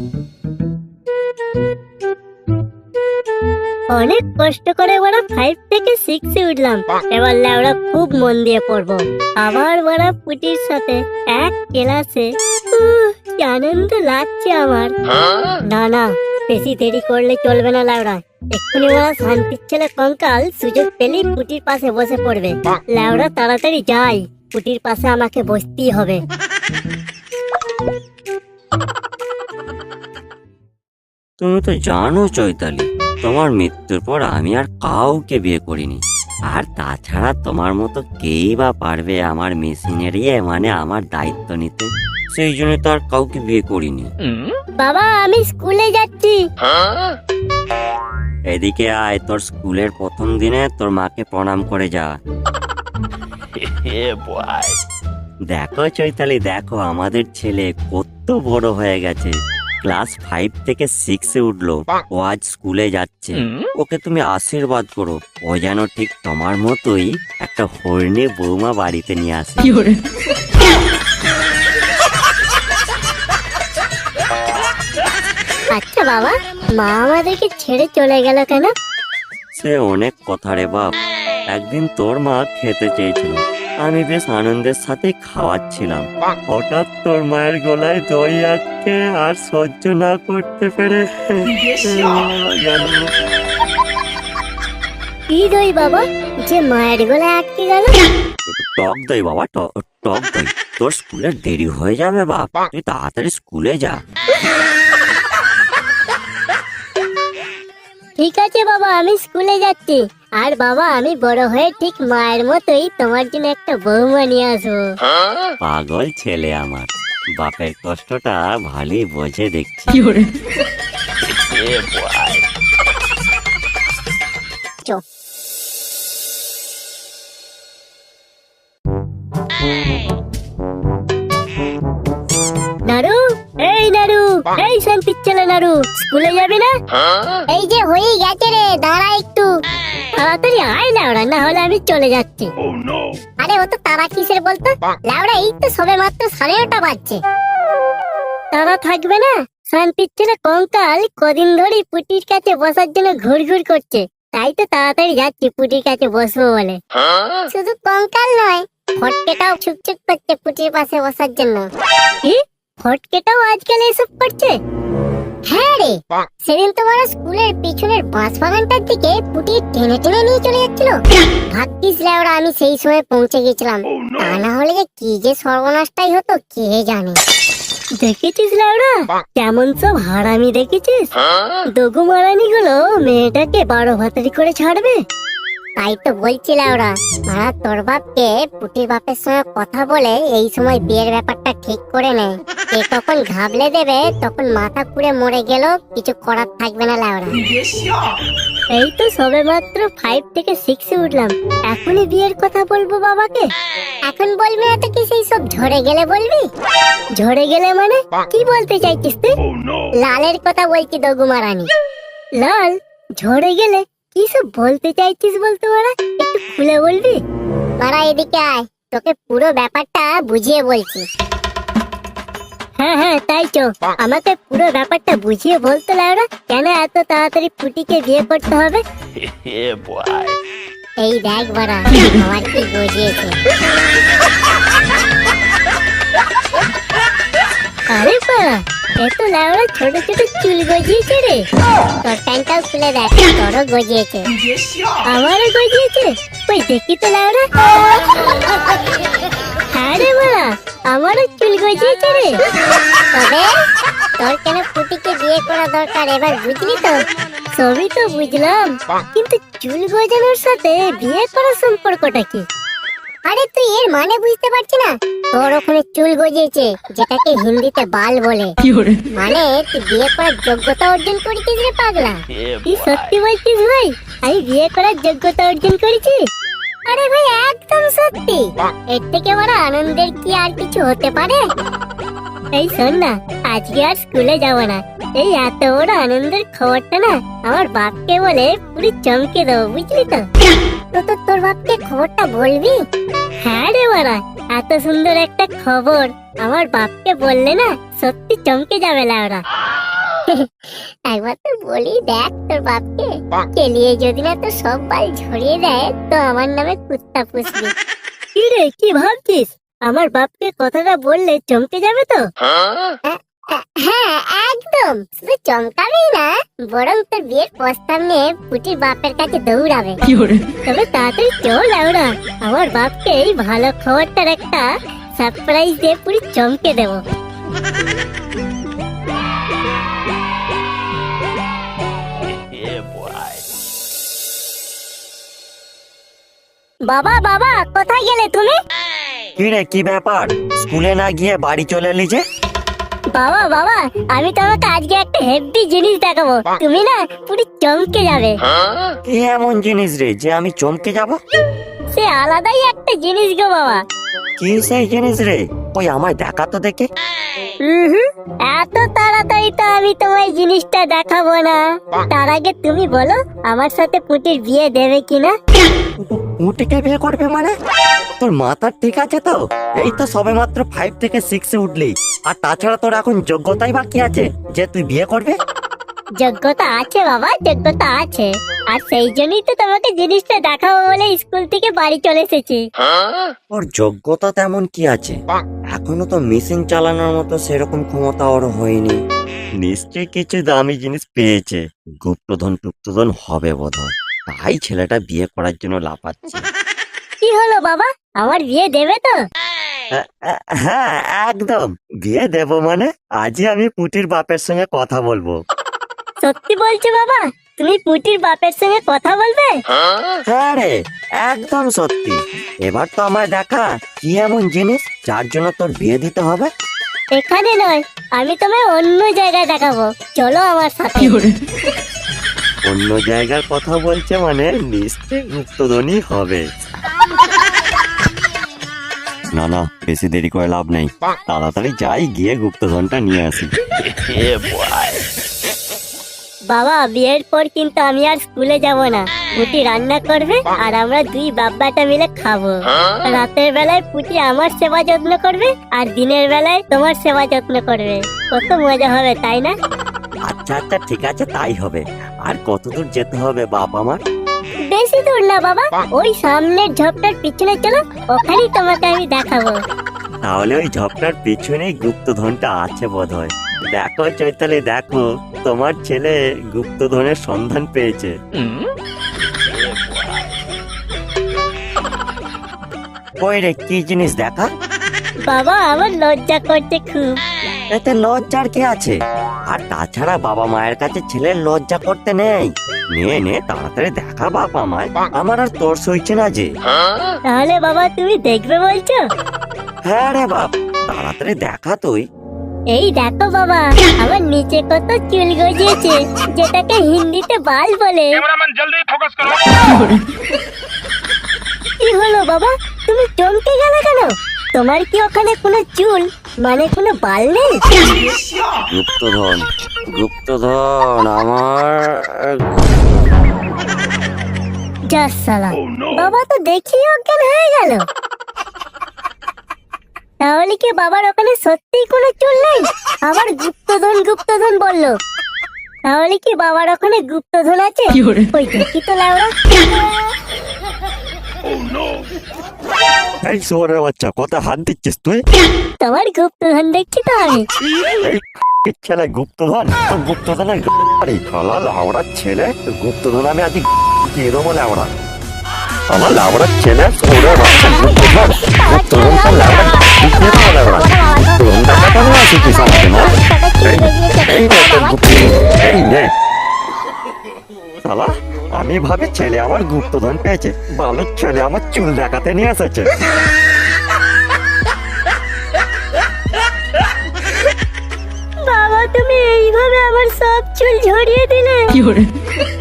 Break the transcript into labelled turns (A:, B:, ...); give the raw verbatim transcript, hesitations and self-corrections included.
A: অনেক কষ্ট করে বড় ফাইভ থেকে সিক্সে উঠলাম, এবার লেওড়া খুব মন দিয়ে পড়বো। আবার বড় পুটির সাথে এক ক্লাসে, উহ, কি আনন্দ লাগছে আমার। না না, বেশি দেরি করলে চলবে না লেওড়া। এক্ষুনি ওরা শান্তির ছেলে কঙ্কাল সুযোগ পেলেই পুটির পাশে বসে পড়বে। লেওড়া তাড়াতাড়ি যাই, পুটির পাশে আমাকে বসতেই হবে।
B: তুমি তো জানো চৈতালি, তোমার মৃত্যুর পর আমি আর কাউকে বিয়ে করিনি। আর তাছাড়া তোমার মতো কেই বা পারবে আমার মেশিনারি মানে আমার দায়িত্ব নিতে। সেই জন্য তো আর কাউকে বিয়ে করিনি।
A: বাবা, আমি স্কুলে যাচ্ছি।
B: এদিকে আয়, তোর স্কুলের প্রথম দিনে তোর মাকে প্রণাম করে যা। দেখো চৈতালি, দেখো আমাদের ছেলে কত বড় হয়ে গেছে। ক্লাস ফাইভ থেকে সিক্সে উঠলো, ও আজ স্কুলে যাচ্ছে। ওকে তুমি আশীর্বাদ করো, ও যেন ঠিক তোমার মতোই একটা হরিণী বৌমা বাড়িতে নিয়ে আসে।
A: আচ্ছা বাবা, মা আমাদেরকে ছেড়ে চলে গেল কেন?
B: সে অনেক কথা রে বাপ। একদিন তোর মা খেতে চেয়েছিল, আমি বেশ আনন্দের সাথে খাওয়াচ্ছিলাম। হঠাৎ তোর মায়ের গলায় দই আটকে আর সহ্য না করতে পেরে
A: কি দই বাবা, যে মায়ের গলায় আটকে গেল?
B: টক দই বাবা, ট- টক দই। তোর স্কুলে দেরি হয়ে যাবে বাপ, তুই তাড়াতাড়ি স্কুলে যা।
A: ঠিক আছে বাবা, আমি স্কুলে যাচ্ছি। আর বাবা, আমি বড় হয়ে ঠিক মায়ের মতোই তোমার জন্য একটা বৌমা নিয়ে আসবো।
B: পাগল ছেলে আমার, বাপের কষ্টটা ভালোই বোঝে দেখছি।
A: চো। নারু, এই নারু, এই শান্তির ছেলে নারু, স্কুলে যাবি না? এই যে হয়ে গেছে রে, দাঁড়া একটু। তাড়াতাড়ি আয় লাউড়া, না হলে আমি চলে যাচ্ছি। আরে ও তো তারা কিসের বলতো লাউড়া, এই তো সবে মাত্র সাড়ে নটা বাজছে। তারা থাকবে না? শান্তির ছেলে কঙ্কাল কদিন ধরে পুটির কাছে বসার জন্য ঘুর ঘুর করছে, তাই তো তাড়াতাড়ি যাচ্ছি পুটির কাছে বসবো বলে। শুধু কঙ্কাল নয়, ফটকেটাও ছুকছুক করছে পুটির পাশে বসার জন্য। কি? ফটকেটাও আজকাল এসব করছে? হ্যাঁ রে, সেদিন তোমার স্কুলের পিছনের বাঁশ বাগানটার দিকে পুটি টেনে টেনে নিয়ে চলে যাচ্ছিল। ভাগ্যিস লেওড়া আমি সেই সময় পৌঁছে গেছিলাম, তা না হলে যে কি যে সর্বনাশটাই হতো কে জানে। দেখেছিস লেওড়া, কেমন সব হারামি দেখেছিস? দগু মারানি গুলো মেয়েটাকে বারো ভাতারি করে ছাড়বে। তাই তো বলছি লেওড়া, মারা তোর বাপকে পুটির বাপের সঙ্গে কথা বলে এই সময় বিয়ের ব্যাপারটা ঠিক করে নেয়। কে কখন ঘাবলে দেবে, তখন মাথা পুড়ে মরে গেল, কিছু করার থাকবে না লেওড়া। এই তো সবে মাত্র ফাইভ থেকে সিক্সে উঠলাম, এখনই বিয়ের কথা বলবো বাবাকে? এখন বলবি না তো কি সেই সব ঝরে গেলে বলবি? ঝরে গেলে মানে কি বলতে চাইছিস তুই? লালের কথা বলছি দগু মারানি। লাল? ঝরে গেলে কি সব বলতে চাইছিস বলতে মারা, একটু খুলে বলবি? মারা এদিকে আয়, তোকে পুরো ব্যাপারটা বুঝিয়ে বলছি। হ্যাঁ হ্যাঁ তাই তো, আমাকে পুরো ব্যাপারটা বুঝিয়ে বলতে লাগলো, কেন এত তাড়াতাড়ি পুটিকে বিয়ে করতে হবে? এই দেখ বাড়া, আমার কি বুঝিয়েছে। আরে বাড়া, এত লাউড়া ছোট ছোট চুল গজিয়েছে রে। তোর প্যান্টটাও খুলে দেখ, তোরও গজিয়েছে। আমারও গজিয়েছে? ওই দেখি তো লাউড়া। হ্যাঁ রে বাড়া, আমারও চুল গজিয়েছে রে। তবে তোর কেন পুটিকে বিয়ে করা দরকার এবার বুঝলি তো? সবই তো বুঝলাম, কিন্তু চুল গজানোর সাথে বিয়ে করার সম্পর্কটা কি? আরে তুই এর মানে বুঝতে পারছি না? তোর ওখানে চুল গজিয়েছে, যেটাকে হিন্দিতে বাল বলে। মানে তুই বিয়ে করার যোগ্যতা অর্জন করেছিস রে পাগলা। তুই সত্যি বলছিস ভাই, আমি বিয়ে করার যোগ্যতা অর্জন করেছি? আরে ভাই একদম সত্যি। এর থেকে বড় আনন্দের কি আর কিছু হতে পারে? এই শোন না, আজকে আর স্কুলে যাব না। এই এত বড় আনন্দের খবরটা না আমার বাপকে বলে পুরো চমকে দেবো, বুঝলি তো? তো তো তোর বাপকে খবরটা বলবি? হ্যাঁ রে বাড়া, এত সুন্দর একটা খবর আমার বাপকে বললে না সত্যি চমকে যাবে লাউরা। একবার তো বলি দেখ তোর বাপকে, কেলিয়ে যদি না তো সব বাল ঝরিয়ে দেয় তো আমার নামে কুত্তা পুষবি। কি রে কি ভাবছিস? আমার বাপকে কথাটা বললে চমকে যাবে তো? হ্যাঁ একদম, শুধু চমকাবেই না, বরং তোর বিয়ের প্রস্তাব নিয়ে পুটির বাপের কাছে দৌড়াবে। তবে তাড়াতাড়ি চল লাউড়া, আমার বাপকে এই ভালো খবরটার একটা সারপ্রাইজ দিয়ে পুরি চমকে দেবো। বাবা বাবা কোথায় গেলে তুমি?
B: কি রে কি ব্যাপার, স্কুলে না গিয়ে বাড়ি চলে এলি যে?
A: বাবা বাবা আমি তোমাকে আজকে একটা হেভি জিনিস দেখাবো, তুমি না পুরি চমকে যাবে।
B: কি এমন জিনিস রে যে আমি চমকে যাব?
A: সে আলাদাই একটা জিনিস গো বাবা।
B: কি সেই জিনিস রে? ওই আমায় দেখা তো দেখে।
A: হুম এত তাড়াতাড়ি তো আমি তোমায় জিনিসটা দেখাবো না, তার আগে তুমি বলো আমার সাথে পুটির বিয়ে দেবে কিনা?
B: উঠে বিয়ে করবে মানে? তোর মাথা ঠিক আছে তো? এই তো সবে মাত্র ফাইভ থেকে সিক্সে উঠলি, আর তাছাড়া তোর এখন যোগ্যতাই বাকি আছে যে তুই বিয়ে করবে।
A: যোগ্যতা আছে বাবা, যোগ্যতা আছে, আর সেই জন্যই তো তোমাকে জিনিসটা দেখাবো বলে স্কুল থেকে বাড়ি চলে এসেছি।
B: ওর যোগ্যতা তেমন কি আছে? এখনো তো মেশিন চালানোর মতো সেরকম ক্ষমতা ওর হয়নি। নিশ্চয়ই কিছু দামি জিনিস পেয়েছে, গুপ্তধন টুপ্তধন হবে বোধহয়, তাই ছেলেটা বিয়ে করার জন্য লাফাচ্ছে।
A: কি হলো বাবা, আমার বিয়ে দেবে তো?
B: হ্যাঁ একদম বিয়ে দেব, মানে আজই আমি পুটির বাপের সঙ্গে কথা বলবো।
A: সত্যি বলছো বাবা, তুমি পুটির বাপের সঙ্গে কথা বলবে?
B: হ্যাঁ রে একদম সত্যি। এবার তো আমায় দেখা কি এমন জিনিস যার জন্য তোর বিয়ে দিতে হবে।
A: এখানে নয়, আমি তোমায় অন্য জায়গায় দেখাবো, চলো আমার সাথে।
B: অন্য জায়গার কথা বলছে মানে নিশ্চয়ই গুপ্তধনই হবে। না না বেশি দেরি করে লাভ নেই, তাড়াতাড়ি যাই গিয়ে গুপ্তধনটা নিয়ে আসি।
A: বাবা বিয়ের পর কিন্তু আমি আর স্কুলে যাব না, পুটি রান্না করবে আর আমরা দুই বাব্বাটা মিলে খাবো। রাতের বেলায় পুটি আমার সেবা যত্ন করবে আর দিনের বেলায় তোমার সেবা যত্ন করবে, কত মজা হবে তাই না?
B: আচ্ছা আচ্ছা ঠিক আছে তাই হবে। আর কত দূর যেতে হবে বাপ আমার?
A: বেশি দূর না বাবা, ওই সামনের ঝোপটার পিছনে চলো, ওখানেই তোমাকে আমি দেখাবো।
B: তাহলে ওই ঝোপটার পিছনেই গুপ্তধনটা আছে বোধহয়। দেখো চৈতালি দেখো, তোমার ছেলে গুপ্তধনের সন্ধান পেয়েছে। কই রে কি জিনিস দেখা?
A: বাবা আমার লজ্জা করছে খুব।
B: এতে লজ্জার কি আছে? আর তাছাড়া বাবা মায়ের কাছে ছেলের লজ্জা করতে নেই। নে নে তাড়াতাড়ি দেখা বাপ আমায়, আমার আর তোর সইছে না যে।
A: তাহলে বাবা তুমি দেখবে বলছো?
B: হ্যাঁ রে বাপ তাড়াতাড়ি দেখা তুই।
A: এই দেখো বাবা, আমার নিচে কত চুল গজিয়েছে, যেটাকে হিন্দিতে বাল বলে।
C: कैमरामैन जल्दी फोकस करो।
A: কি হলো বাবা, তুমি চমকে গেলে কেন? তোমার কি ওখানে কোনো চুল মানে কোনো বাল নেই?
B: গুপ্তধন গুপ্তধন আমার।
A: যা সালা, বাবা তো দেখি অজ্ঞান হয়ে গেল। তাহলে কি বাবার ওখানে সত্যিই কোনো চুল নেই? আবার গুপ্তধন গুপ্তধন বললো, তাহলে কি বাবার ওখানে গুপ্তধন আছে? ওই দেখি তো লাউড়া।
B: এই শোরে বাচ্চা কথা হাত দিচ্ছিস তুই?
A: তোমার গুপ্তধন দেখছি তো আমি।
B: এই ছেলে গুপ্তধন, তো গুপ্তধনের আরে খালা লাউড়ার ছেলে গুপ্তধন আমি আজ দিয়ে দেবো লাউড়া। আমার লাউড়ার ছেলে শোরে বাচ্চা গুপ্তধন গুপ্তধন তো লাউড়া দিয়ে দেবো লাউড়া। গুপ্তধন দেখাটা নিয়ে আসিস আমাকে না? এই নে তোর গুপ্তধন, এই নে। শালা আমি ভাবে ছেলে আমার গুপ্তধন পেয়েছে, বালের ছেলে আমার চুল দেখাতে নিয়ে এসেছে।
A: বাবা তুমি এইভাবে আমার সব চুল ঝরিয়ে দিলে।